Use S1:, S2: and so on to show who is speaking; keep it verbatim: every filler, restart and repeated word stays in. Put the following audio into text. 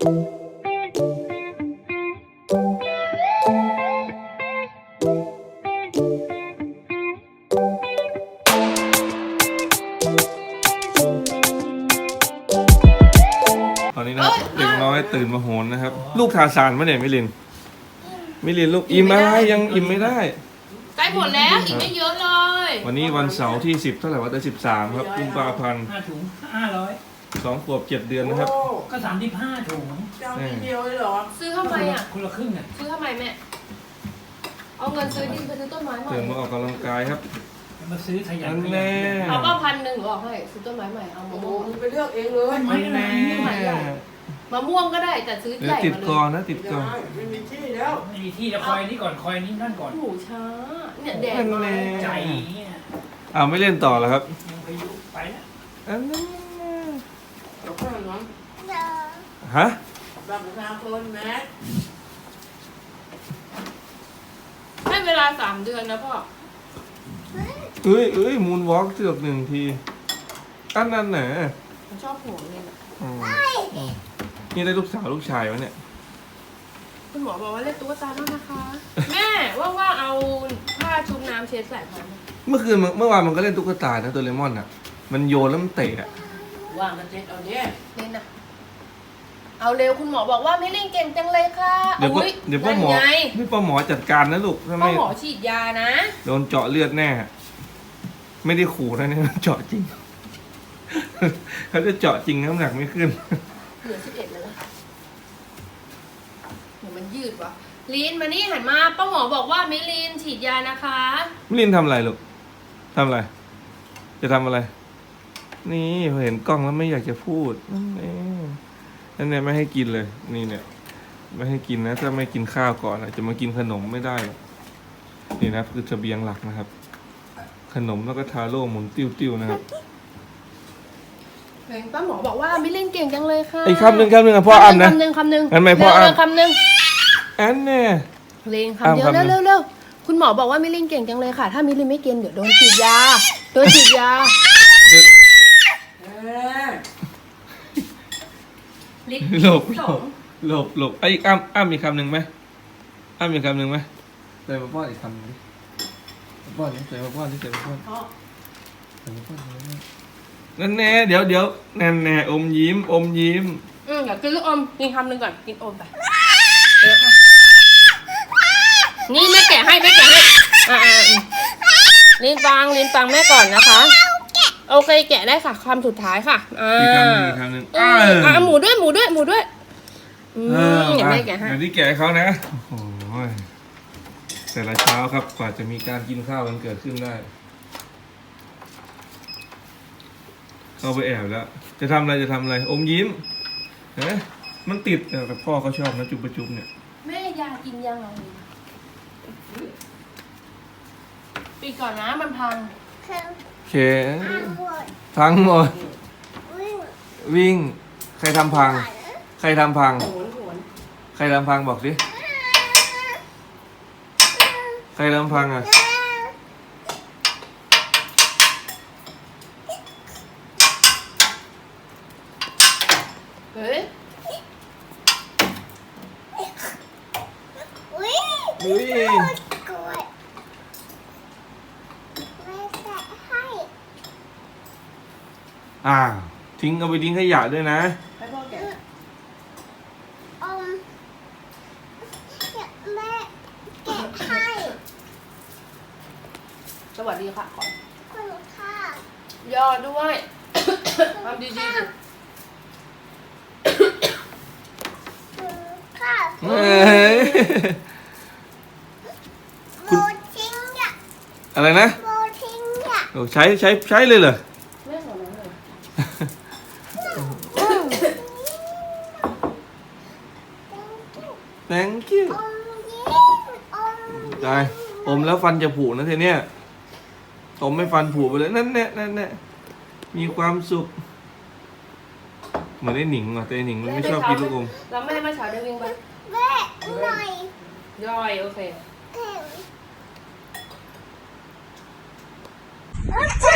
S1: ตอนนี้นะครับเด็กน้อยตื่นมาโหนนะครับลูกทาซานปะเนี่ยมิลินมิลินลูกอิ่มอะไรยังอิ่มไม่ได้
S2: ใกล้หมดแล้วอีกไม่เยอะเลย
S1: วันนี้วันเสาร์ที่สิบเท่าไหร่วะแต่สิบสามครับกุมภาพันธ์
S3: ห้าถุงห้าร้อย
S1: สองขวบเจ็ดเดือนนะครับ
S3: ก็สามสิบห้าถุง
S4: จะเอาทีเดียวเลยเหรอ
S2: ซื้อทำไมอ่ะ
S3: คนละครึ่งอ่ะ
S2: ซื้อทำไมแม่เอาเงินซื้อดินไปซื้อต้นไม้ใหม่
S1: ตื่นมาออกกำลังกายครับ
S3: มาซื้อขยันข
S1: ยัน
S2: เอาก็พันหนึ่งหรือออกให้ซื้อต้นไม้ใหม่เอามะม่วง
S4: ไปเลือกเองเลย
S3: ไม่แน่
S2: มะม่วงก็ได้แต่ซื้อใหญ่มาเลย
S1: ติดกอนนะติดกอน
S4: ไม่มีที่แล้ว
S3: ไม่มีที่แล้วคอยนี้ก่อนคอยนี้นั่นก่อน
S2: หูช้าเนี่ยแดดมา
S3: ใจเนี่ย
S1: อ้าวไม่เล่นต่อแล้วครับ
S3: ยังไปยุไปแล้ว
S1: อันนี้
S4: เดี๋ยวข้างน้อง
S1: ฮะ
S4: บัตรประชาชนแม็ก
S2: ให้เวลาสามเดือนนะพ่อ
S1: เอ้ยเอ้ยมูนวอล์กเสือกหนึ่งทีอันนั้นไหน
S2: ผมชอบหัวเลยนะ
S1: นี่ได้ลูกสาวลูกชายวะเนี่ย
S2: คุณหมอบอกว่าเล่นตุ๊กตาแล้วนะคะแม่ว่าๆเอาผ้าชุบน้ำเช็ดใส่พอ
S1: เมื่อคืนเมื่อวานมันก็เล่นตุ๊กตานะตัวเลมอนอ่ะมันโยนแล้วมันเตะอ่ะ
S4: ว่างกันเจ็ดเอาเนี่ย
S2: เล่นอ่ะเอาเร็วคุณหมอบอกว่าไม่เล่นเก่งจังเลยค่ะ
S1: เดี๋ยวเดี๋ยวพ่อหมอพี่พ่อหมอจัดการนะลูก
S2: พ่อหมอฉีดยานะ
S1: โดนเจาะเลือดแน่ไม่ได้ขู่นะเนี่ยเจาะจริงเขาจะเจาะจริงน้ำหนักไม่ขึ้น
S2: เหลือสิบเอ็ดแล้วเดี๋ยวมันยืดวะลินมานี่หันมาป้าหมอบอกว่ามิลินฉีดยานะคะ
S1: มิลินทำอะไรลูกทำอะไรจะทำอะไรนี่เห็นกล้องแล้วไม่อยากจะพูดนั่นเองนั่นเนี่ยไม่ให้กินเลยนี่เนี่ยไม่ให้กินนะถ้าไม่กินข้าวก่อนจะมากินขนมไม่ได้นี่นะคือเสบียงหลักนะครับขนมแล้วก็ทาโร่หมุนติ้วๆนะครับ
S2: ป้าหมอบอกว่ามิลินเก่งจังเลยค่ะ
S1: ไอ้คำหนึ่งคำหนึ่งพ่ออ่านนะ
S2: คำหนึ่งคำหนึ่ง
S1: อันไม่พ่ออ่าน
S2: คำหนึ่ง
S1: อันเนี่ย
S2: เพลงคำเดียวเร็วเร็วเร็วคุณหมอบอกว่ามิลินเก่งจังเลยค่ะถ้ามิลินไม่กินเดี๋ยวโดนฉีดยาโดนฉีดยา
S1: หลบหลบหลบหลบไอ้อ้ำอ้ำมีคำหนึ่งไหมอ้ำมีคำหนึ่งไหมใส่มาป้อนอีกคำนึงดิป้อนนี่ใส่มาป้อนนี่ใส่มาป้อนใส่มาป้อนนั่นแน่เดี๋ยวเดี๋ยวนั่นแน่อมยิ้มอมยิ้ม
S2: อืมอยากกินลูกอมกินคำหนึ่งก่อนกินอมไปนี่แม่แกะให้แม่แกะให้อ่าลิ้นฟังลิ้นฟังแม่ก่อนนะคะโอเคแกะได้ค่ะคำสุดท้ายค่ะอ่า
S1: อีกคำหนึ่งอีกคำหนึ่ง
S2: อ่าหมูด้วยหมูด้วยหมูด้วยอืมอย่างแม่แกะให้
S1: อย่างที่แกะเขานะโอ้โหแต่ละเช้าครับกว่าจะมีการกินข้าวกันเกิดขึ้นได้เข้าไปแอบแล้วจะทำอะไรจะทำอะไรอมยิ้มเห็นไหมมันติดแต่พ่อเขาชอบนะจุบประจุบเนี่ย
S2: แม่ยากินยังไงปีก่อนนะมันพัง
S1: โอเคพังหมดวิ่งใครทำพังใครทำพังใครทำพังบอกสิใครทำพังอ่ะ
S2: เฮ้ย
S1: อุ้ยอ่าทิ้งเอาไปทิ้งขยะด้วยนะ
S4: ให้พ่อแกะ
S5: อมแม่แกะให้
S2: สวัสดีค่ะก่อน
S5: คุณค่ะ
S2: ยอดด้วยทำดีๆ
S5: ค่ะ
S1: เฮ้ย
S5: โบทิ้งอ่ะ
S1: อะไรนะ
S5: โบทิ้งอ่ะ
S1: โอ้ใช้ใช้ใช้เลยเหรอthank you ได้อมแล้วฟันจะผุนะทีเนี้ยอมไม่ฟันผุไปเลยนั่นแน่นั่นแน่มีความสุขเหมือนไอ้หนิงอ่ะแต่ไอ้หนิงมันไม่ชอบกินลูกอม
S2: แล้วแม่มาเช้าได้วิ่งไป
S5: แม่หน่อย
S2: ย่อยโอเค